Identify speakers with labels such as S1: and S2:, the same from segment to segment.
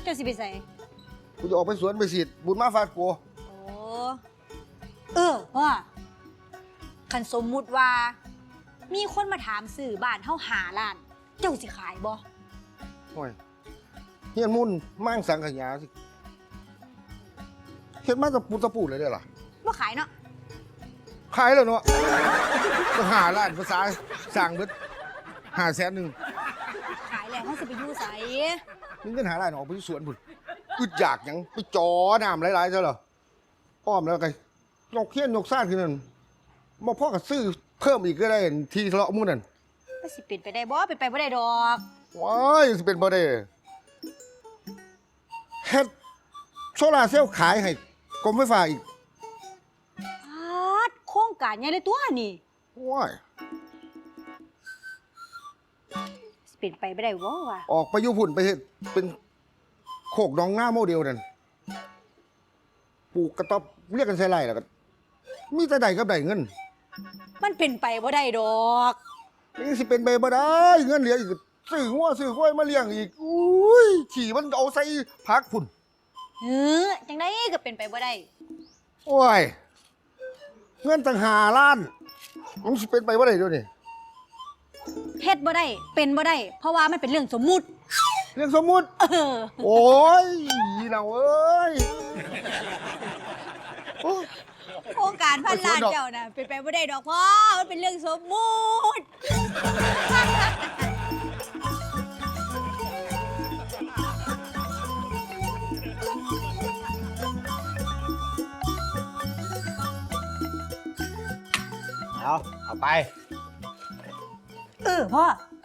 S1: จ้าสิไปใส่
S2: กูจะออกไปสวนไปสิบุญมาฟาดกู
S1: โอ้พ่อคันสมมุติว่ามีคนมาถามซื้อบ้านเฮา5 ล้านเจ้าสิขายบ่
S2: โอ้ยเฮียนมุ่นมั่งสังขยาสิเฮ็ดมาตะปูเลยเด้อล่ะ
S1: บ่ขายเนาะ
S2: ขายแล้วเนาะก็5 ล้านภาษาสั่งเบิด500,000
S1: ขายแล้วเฮาสิไปอยู่ไส
S2: มึงเงิน5 ล้านออกไปสวนพุ่นอึดอยากหยังไปจอน้ำหลายๆซะเหรออ้อมแล้วไงยกเฮียนยกซ่านขึ้นนั่นบ่พอก็ซื้อเพิ่มอีกก็ได้ทีทะเลาะหมู่นั่น
S1: มันสิเป็นไปได้บ่เป็นไปบ่ได้ดอก
S2: ว้ายสิเป็นบ่ได้เฮ็ดโซล่าร์เซลล์ขายให้กรมไฟฟ้าอีก
S1: โครงการใหญ่เลยตัวนี่
S2: ว้าย
S1: สิเป็นไปบ่ได้บ่วะ
S2: ออกไปอยู่พุ่นไปเฮ็ดเป็นโคกหนองนาโมเดลนั่นปลูกกระต๊อบเรียกกันใส่ไร่แล้วก็มีแต่ได้กับได้เงิน
S1: มันเป็นไปบ่ได้ดอก
S2: นี่สิเป็นไปบ่ได้เงินเหลืออีกซื้อหัวซื้อควายมาเลี้ยงอีกอุ้ยขี่มันเอาใส่ผักพุ่น
S1: จังได๋ก็เป็นไปบ่ได้
S2: โอ้ยเงินตั้ง5 ล้านมันสิเป็นไปบ่ได้เดี๋ยวนี้
S1: เฮ็ดบ่ได้เป็นบ่ได้เพราะว่ามันเป็นเรื่องสมมุติ
S2: เรื่องสมมุติโอ้ยเราเอ้ย
S1: โครงการพันล้านเจ้าน่ะเป็นไปบ่ได้ดอกพ่อมันเป็นเรื่องสมมุติ
S3: เอาไป
S1: พ่อ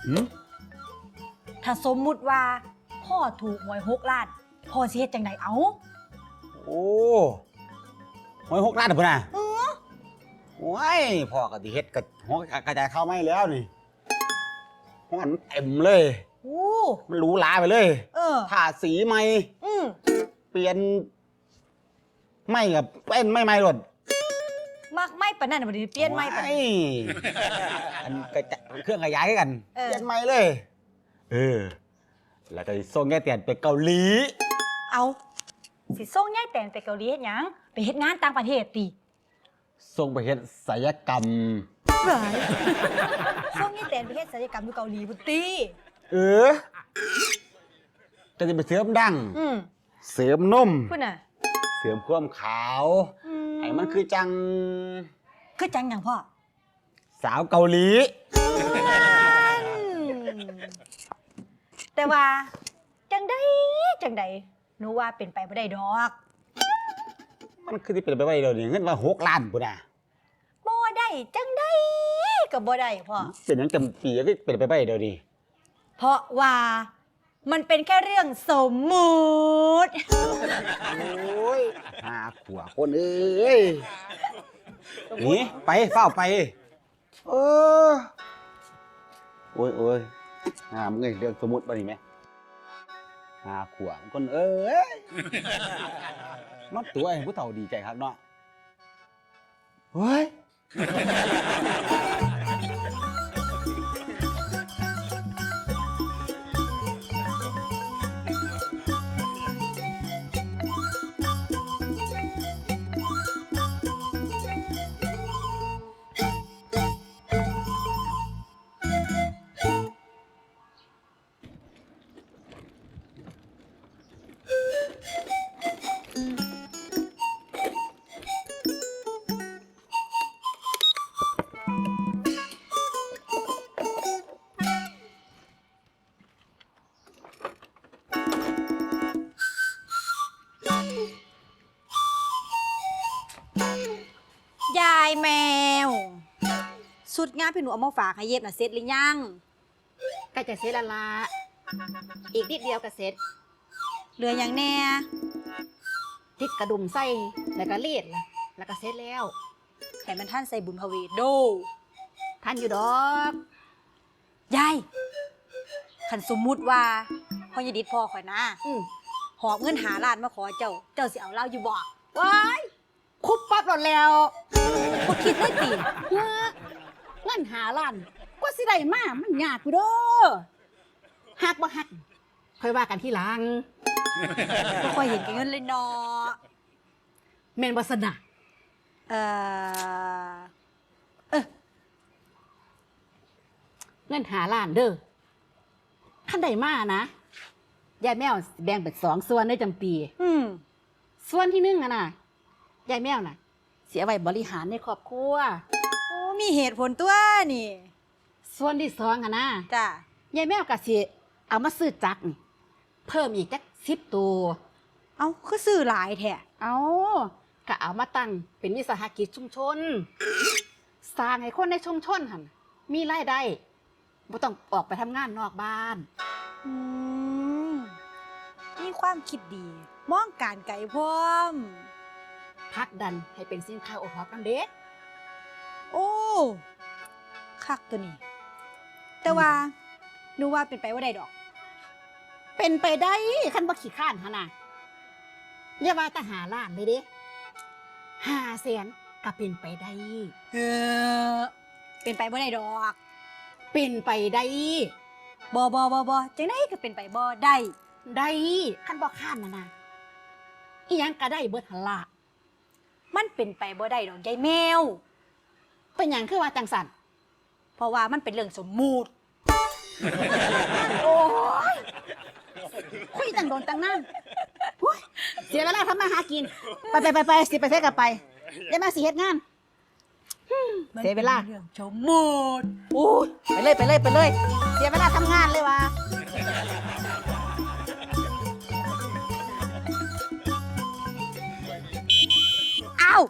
S1: ถ้าสมมุติว่าพ่อถูกหวย6 ล้านพ่อสิเฮ็ดจังไดเอา
S3: โอ้หวย6 ล้านพุ่นน่ะโอ้ยพ่อก็สิเฮ็ดกับหัวกระจายเข้าไม่แล้วนี่ห้องมันเต็มเลยมันหรูหราไปเลยทาสีใหม่เปลี่ยนไม่กับเป็นไม่ใหม่หมด
S1: มักไม่ปานนั้นบ่ได้เปลี่ยนไม่ปาน
S3: อันเครื่องขยายกันเปลี่ยนใหม่เลยแล้วก็ส่งยายเตียนไปเกาหลี
S1: เอาสิส่งยายแตนไปเกาหลีเฮ็ดหยังไปเฮ็ดงานต่างประเทศติ
S3: ส่งไปเฮ็ดศัลยกรรม
S1: ส่งยายแตนไปเฮ็ดศัลยกรรมอยู่เกาหลีพุ่นติ
S3: ก็จะไปเสริมดั้งเสริมนม
S1: พุ่นน่ะ
S3: เสริมความขาวให้มันคือจัง
S1: หยังพ่อ
S3: สาวเกาหลี
S1: แต่ว่าจังใดหนูว่าเป็นไปบ่ได้ดอก
S3: มันคือที่เป็นไปบ่ได้เดี๋ยวนี้เงินว่า6 ล้านพุ่นน่ะ
S1: บ่ได้จังใดก็บ่ได้พ่อ
S3: เป็นหยังจำปีก็เป็นไปบ่ได้เดี๋ยวนี้
S1: เพราะว่ามันเป็นแค่เรื่องสมมุติ
S3: โอ้ยขวคนเอ้ยนี่ไปเฝ้าไปโอ้ยมึงเรื่องสมมุติบ่นี่แม่ขวคนเอ้ยมาตัวให้ผู้เฒ่าดีใจครับเนาะเฮ้ย
S1: ยายแมวสุดงานพี่หนูเอามาฝากให้เย็บน่ะเสร็จหรือยัง
S4: ใกล้จะเสร็จแล้วล่ะอีกนิดเดียวก็เสร็จ
S1: เหลืออย่างแน่
S4: ติดกระดุมใส่แล้วก็เลียดแล้วก็เสร็จแล้ว
S1: ให้มันท่านใส่บุญพเวทโด
S4: ท่านอยู่ดอก
S1: ยายคันสมมุติว่าพ่อยดิดพ่อข่อยนะหอบเงิน5 ล้านมาขอเจ้าสิเอาเล่าอยู่บ่
S4: ว้ายคุบปั๊บหมดแล้ว
S1: บ่คิดได้ติ
S4: เงิน5 ล้านกว่าสิได้มามันยากอยู่เด้อหักบ่หักค่อยว่ากันที่หลัง
S1: บ่ค่อยเห็นแก่เงินเลยเนาะ
S4: แม่นบ่สนะ
S1: เอ่อ
S4: เงินหาล้านเด้อคันใดมานะยายแมวสิแบ่งเป็น2ส่วนได้จำปี
S1: อืม
S4: ส่วนที่1อะน่ะยายแมวน่ะ เสียไว้บริหารในครอบครัว
S1: โอ้มีเหตุผลตัวนี่
S4: ส่วนที่2อะนะ
S1: จ้ะ
S4: ยายแมวก็สิเอามาซื้อจักรนี่เพิ่มอีกจัก10 ตัว
S1: เอ้าคือซื้อหลายแท้
S4: เอาก็เอามาตั้งเป็นวิสาหกิจชุมชน สร้างให้คนในชุมชนหั่นมีรายได้บ่ต้องออกไปทำงานนอกบ้าน
S1: อืมมีความคิดดี มองการไกลพร้อม
S4: ผลักดันให้เป็นสินค้าโอท็อปนำเด้
S1: โอ้คักตัวนี้ แต่ว่าหนูว่าเป็นไปว่าได้ดอก
S4: เป็นไปได้คันบ่ขี้ข้านหั่นน่ะเรียกว่าแต่หาล้านเลยเด้500,000ก็เป็นไปได้
S1: เออ เป็นไปบ่ได้ดอก
S4: เป็นไปได้
S1: บ่จังได๋ก็เป็นไปบ่ได้
S4: ได้คันบ่ข้านน่ะนะอีหยังก็ได้เบิดหั่นล่ะ
S1: มันเป็นไปบ่ได้ดอกยายแมว
S4: เป็นหยังคือว่าจังสั่น
S1: เพราะว่ามันเป็นเรื่องสมมุติ
S4: โอ้ยคุยตั้งโดนตั้งนานอุ๊ยเสียเวลาทำมาหากิน ไปสิไปเทกับไปได้มาสิเฮ็ดงาน เสียเวลา
S1: เรื่องสมมุติ
S4: โอ้ยไปเลย เสียเวลาทำงานเลยว่ะ
S1: อ้าว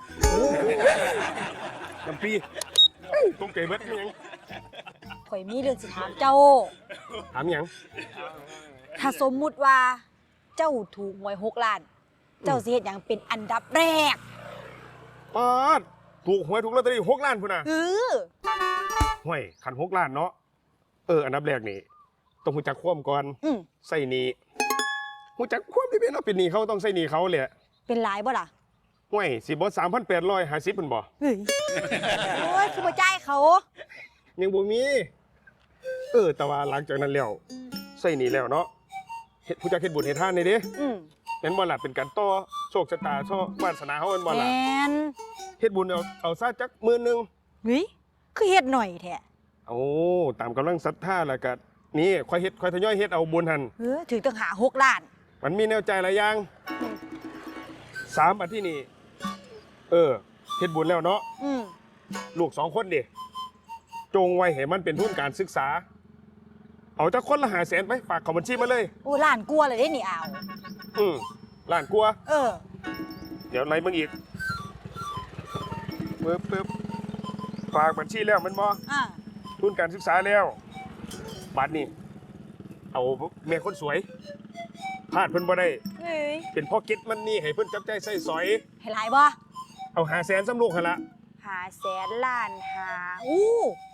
S5: จำปีตุ้มเก๋เบิดมีหยัง
S1: ข่อยมีเรื่องสิถามเจ้า
S5: ถามหยัง
S1: ถ้าสมมุติว่าเจ้าถูกหวย6 ล้าน เจ้าสิเฮ็ดหยังเป็นอันดับแรก
S5: ปาดถูกหวยถูกลอตเตอรี่6 ล้านพุ่นน่ะ
S1: เออ
S5: ห่วยขัน6 ล้านเนาะอันดับแรกนี่ต้องหูจักความก่อน
S1: อืม
S5: ใส่หนี้หูจักความที่เป็นเราเป็นหนี้เขาต้องใส่หนี้เขาเลย
S1: เป็นหลายบ่ล่ะ
S5: ห่วยสิบ่3,850พุ่นบ่
S1: เฮ้ย โอ้ยคือบ่จ่ายเขา
S5: ยังบ่มีแต่ว่าหลังจากนั้นแล้วใส่หนี้แล้วเนาะเฮ็ดผู้จักเฮ็ดบุญเฮ็ดทานนี่เด้
S1: อืม
S5: แม่นบ่ล่ะเป็นการต่อโชคชะตาโชควาสนาเฮาแม่นบ่
S1: แม
S5: ล่ะ
S1: น
S5: เฮ็ดบุญเอาซะจัก10,000
S1: เฮ้ยคือเฮ็ดหน่อยแท้
S5: โอ้ตามกำลังศรัทธาแล้วก็นี่ค่อยทยอยเฮ็ดเอาบุญหัน
S1: เออถึงต้องหา6 ล้าน
S5: มันมีแนวใจหลายอย่าง3อันที่นี่เฮ็ดบุญแล้วเนาะ
S1: อืม
S5: ลูก2 คนดิจงไว้ให้มันเป็นทุนการศึกษา เอาจักคนละ500,000ไปฝากเข้าบัญชีมาเลย
S1: โอ้ล้านกลัวาเลยได้นี่เอา
S5: ล้านกว่า
S1: เออ
S5: เดี๋ยวไหนมึงอีกปึ๊บฝากบัญชีแล้วแมันบ่
S1: อ่า
S5: ทุนการศึกษาแล้วบัตรนี่เอาแม่คนสวยพลาดเพิ่นบ่ได้
S1: เฮ้ย
S5: เป็นพ่อเก็ตมันนี่ให้เพิ่นจับใจใส่สอย
S1: ให้หลายบ่
S5: เอา500,000ซ้ำลูกหั่นละ
S1: 500,000ล้านหาอู้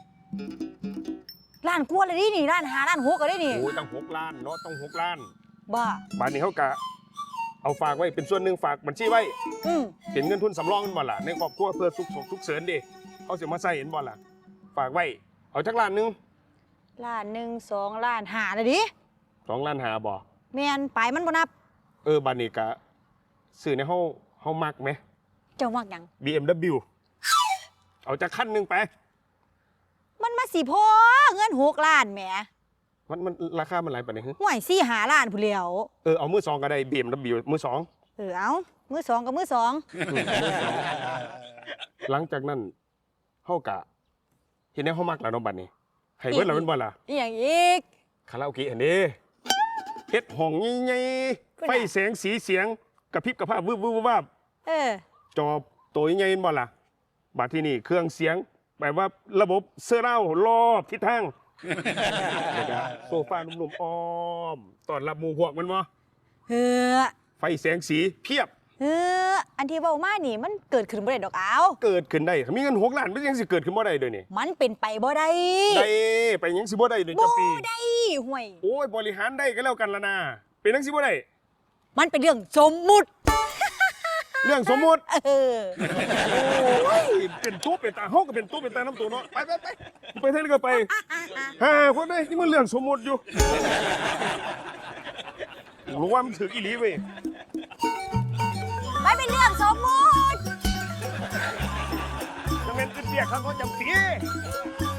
S1: ล้านกลัวาเลยได้นี่ล้านหาล้าน6ก็ได้นี่
S5: โอ้ยตั้ง6 ล้านเนาะต้อง6 ล้าน
S1: บ่
S5: บาทนี้เขากะเอาฝากไว้เป็นส่วนหนึ่งฝากบัญชีไว้
S1: อืม
S5: เป็นเงินทุนสำรองกันบ่ล่ะในครอบครัวเพื่อสุขเสริญดิเขาสิมาใส่เห็นบ่ล่ะฝากไว้เอาจักล้านหนึง
S1: ล้านหนึ่ง2 ล้านหาเลยดิ
S5: 2 ล้านหาบ่
S1: แม่นไปมันบ่นับ
S5: บาทนี้กะซื้อในเฮามักไหม
S1: เจ้ามักหยัง
S5: BMW เอาจักคันหนึงไป
S1: มันมาสิพอเงิน6 ล้านแหม
S5: มันราคามันหลายปานใดฮึ
S1: ห่วย4 5 ล้านผู้นแหล้ว
S5: เอามือสองก็ได้ BMW มือสอง
S1: เอามือสองกับมือสอง
S5: หลังจากนั้นเฮากะเฮ็ดแนวเฮามักแล้วเนาะบัดนี้ให้เบิดแล้วแม่นบ่ล่ะ
S1: อีหยังอีก
S5: คาราโอเกะอันนี้เฮ็ดห้องใหญ่
S1: คุณ
S5: ๆ
S1: น่ะ
S5: ไฟแสงสีเสียงกระพริบกระพราบวืบวืบวาบ
S1: เออ
S5: จอตัวใหญ่ๆบ่ล่ะบัดที่นี่เครื่องเสียงแบบว่าระบบเซอร์ราวด์รอบทิศทางแล้วก็โซฟานุ่มๆอ้อมต้อนรับหมู่พวกมันบ่
S1: เฮ้อ
S5: ไฟแสงสีเพียบ
S1: เฮ้ออันที่เว้ามานี่มันเกิดขึ้นบ่ได้ดอกเอา
S5: เกิดขึ้นได้มีเงิน6 ล้านมันยังสิเกิดขึ้นบ่ได้เด้อนี่
S1: มันเป็นไปบ่ได้
S5: ได้ไปยังสิบ่ได้เด้อ
S1: บ่
S5: จำปี
S1: ได้ห่วย
S5: โอ้ยบริหารได้ก็แล้วกันละนะเป็นจังสิบ่ได้
S1: มันเป็นเรื่องสมมุติ
S5: เรื่องสมมุติ
S1: เออ
S5: โอ้ยเป็นตู้เป็นตาเฮาก็เป็นตู้เป็นตาน้ำตัวเนาะไปไปเท่านี้ก็ไปคนได้นี่มันเรื่องสมมุติอยู่รู้ว่ามันถืออีหลีเว้ย
S1: ไม่เป็นเรื่องสมมุติ
S5: จะเป็นเปียกเขาก็จำปี